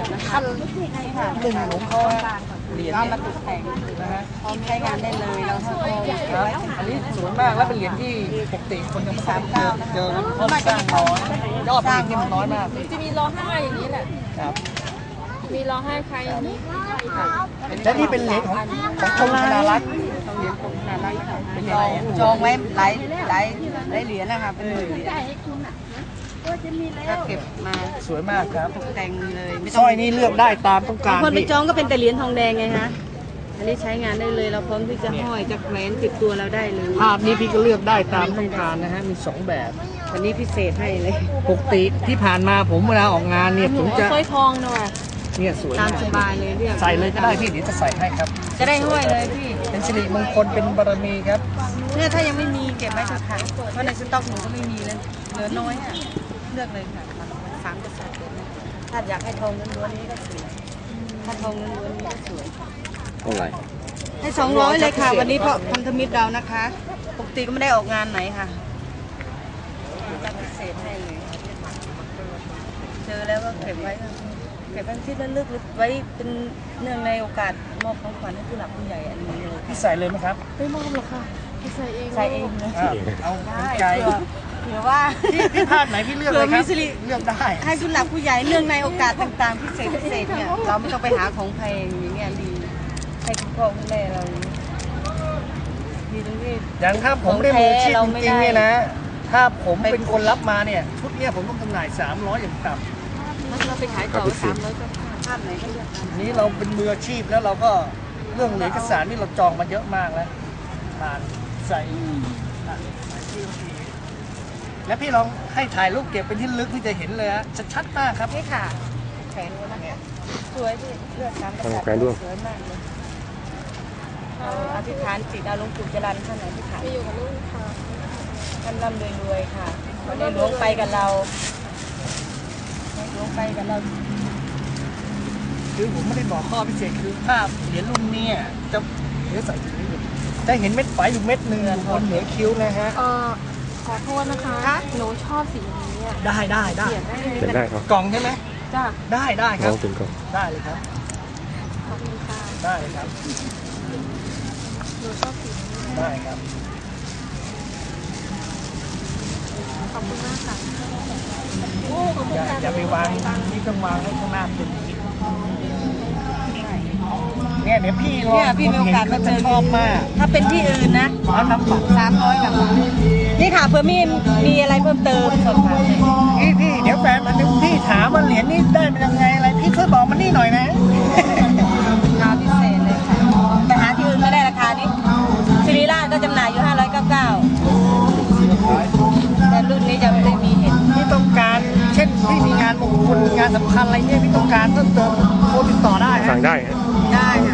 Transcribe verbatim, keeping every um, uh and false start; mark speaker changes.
Speaker 1: ขั้นหนึ่งของเขาเหรียญมาตกแต่งนะฮะพร้อมใช้งานได้เลยเราทำครับอันนี้สวยมากและเป็นเหรียญที่ปกติคนยังไม่เคยเจอกันเพราะสร้างน้อยยอดผลิตนี่มันน้อยมาก
Speaker 2: จะมีรอห้าอย่างนี้แหละ
Speaker 1: ครับ
Speaker 2: มีรอห้าใครอย่างนี้
Speaker 1: และนี่เป็นเหรียญของของกรมธนารักษ์เหรียญกรมธนารักษ์เป็นจองจองไว้หลายหลายหลายเหรียญนะคะเป็นหมื่นเหรียญก็เก็บมาสวยมากครับตกแต่งเลยสร้อยนี้เลือกได้ตามต้องการคนไปจองก็เป็นแต่เหรียญทองแดงไงฮะอันนี้ใช้งานได้เลยเราพร้อมที่จะห้อยจะแขวนติดตัวเราได้เลยภาพนี้พี่ก็เลือกได้ตามต้องการนะฮะมีสองแบบอันนี้พิเศษให้เลยปกติที่ผ่านมาผมเวลาออกงานเนี่ยผมจะ
Speaker 2: สร้อยทองหน่อย
Speaker 1: เนี่ยสวยตามสบายเลยเรียกใส่เลยก็ได้พี่เดี๋ยวจะใส่ให้ครับจะได้ห้อยเลยพี่เป็นสิริมงคลเป็นบารมีครับเนี่ยถ้ายังไม่มีเก็บไว้เถอะค่ะเพราะในสต็อกหนูก็ไม่มีเลยเหลือน้อยอ่ะเลือกเลยค่ะสามกระสอบเลยถ้าอยากให้ทองล้วนๆนี้ก็สวยถ้าทองล้วนๆนี้ก็สวย
Speaker 3: เท่าไหร่
Speaker 1: ให้สองร้อยเลยค่ะวันนี้เพราะพันธมิตรเรานะคะปกติก็ไม่ได้ออกงานไหนค่ะจะพิเศษให้เลยเจอแล้วก็เก็บไว้เก็บเป็นที่ระลึกไว้เป็นเนื่องในโอกาสมอบของขวัญให้ผู้หลักผู้ใหญ่อันนี้เลยพี่ใส่เลยไหมครับ
Speaker 2: ไม่มอบหรอกค่ะพี่ใส่เอง
Speaker 1: ใส่เองนะเอาใจเผื่อว่าพี่พลาดไหนพี่เลือกเลยครับเลือกได้ให้ผู้หลักผู้ใหญ่เนื่องในโอกาสต่างๆพิเศษพิเศษเนี่ยเราไม่ต้องไปหาของแพงอย่างเงี้ยดีให้คุณพ่อคุณแม่เราดีตรงที่อย่างถ้าผมได้มืออาชีพจริงๆเนี่ยนะถ้าผมเป็นคนรับมาเนี่ยชุดเนี้ยผมต้องจำหน่ายสามร้อยอย่างต่ำ
Speaker 2: เราไปขายต่อสามร้อยก็
Speaker 1: ภาพไหนก็เลือกนี้เราเป็นมืออาชีพแล้วเราก็เรื่องเหรียญเอกสารนี่เราจองมาเยอะมากแล้วผ่านใส่แล้วพี่ลองให้ถ่ายรูปเก็บเป็นที่ลึกพี่จะเห็นเลยฮะชัดๆมากครับนี่ค่ะแขวนด้วยนะสวยพี่เลือกสามกษัตริย์สวยมากเลยอธิษฐานจิตอาลงปู่จรัญท่านไหนอธิษฐาน
Speaker 2: ไปอยู่กับลูกค่ะ
Speaker 1: ท่านร่ำรวยๆค่ะวันนี้หลวงไปกับเราหลวงไปกับเราคือผมไม่ได้บอกข้อพิเศษคือภาพเหรียญรุ่นนี้จะเดี๋ยวใส่ถุงนี้จะเห็นเม็ดไฟอยู่เม็ดหนึ่งบนเหนือคิ้วนะฮะ
Speaker 2: เออขอโทษนะคะหนูชอบสีนี้
Speaker 1: ได้ได้ได้
Speaker 3: เขียนได้ครับ
Speaker 1: กล่องใช่ไหม
Speaker 2: จ้า
Speaker 1: ได้ได้ครับ
Speaker 3: ถึงกล่อง
Speaker 1: ได้เลยครับ
Speaker 2: ขอบคุณค่ะ
Speaker 1: ได้เลยครับ
Speaker 2: หนูชอบสีนี้
Speaker 1: ได้ครับ
Speaker 2: ขอบคุณมากค่ะ
Speaker 1: อย่าอย่าไปวางนี่ต้องวางให้ข้างหน้าเป็นเนี่ยเดี๋ยวพี่ลองเนี่ยพี่มีโอกาสมาเจอชอบมากถ้าเป็นที่อื่นนะเขาทำฝักสามร้อยกับนี่ค่ะเพื่อมีมีอะไรเพิ่มเติมสดค่ะพี่พี่เดี๋ยวแฟนมันพี่ถามว่าเหรียญนี่ได้เป็นยังไงอะไรพี่ช่วยบอกมันนี่หน่อยนะราคาพิเศษเลยค่ะไปหาที่อื่นไม่ได้ราคานี้ซิริราชก็จำหน่ายอยู่ห้าร้อยเก้าสิบเก้าแต่รุ่นนี้จะไม่ได้มีเห็นที่ต้องการเช่นที่มีงานมงคลงานสำคัญอะไรเนี่ยที่ต้องการเพิ่มเติมโทรติดต่อได้
Speaker 3: สั่งได้
Speaker 1: ได้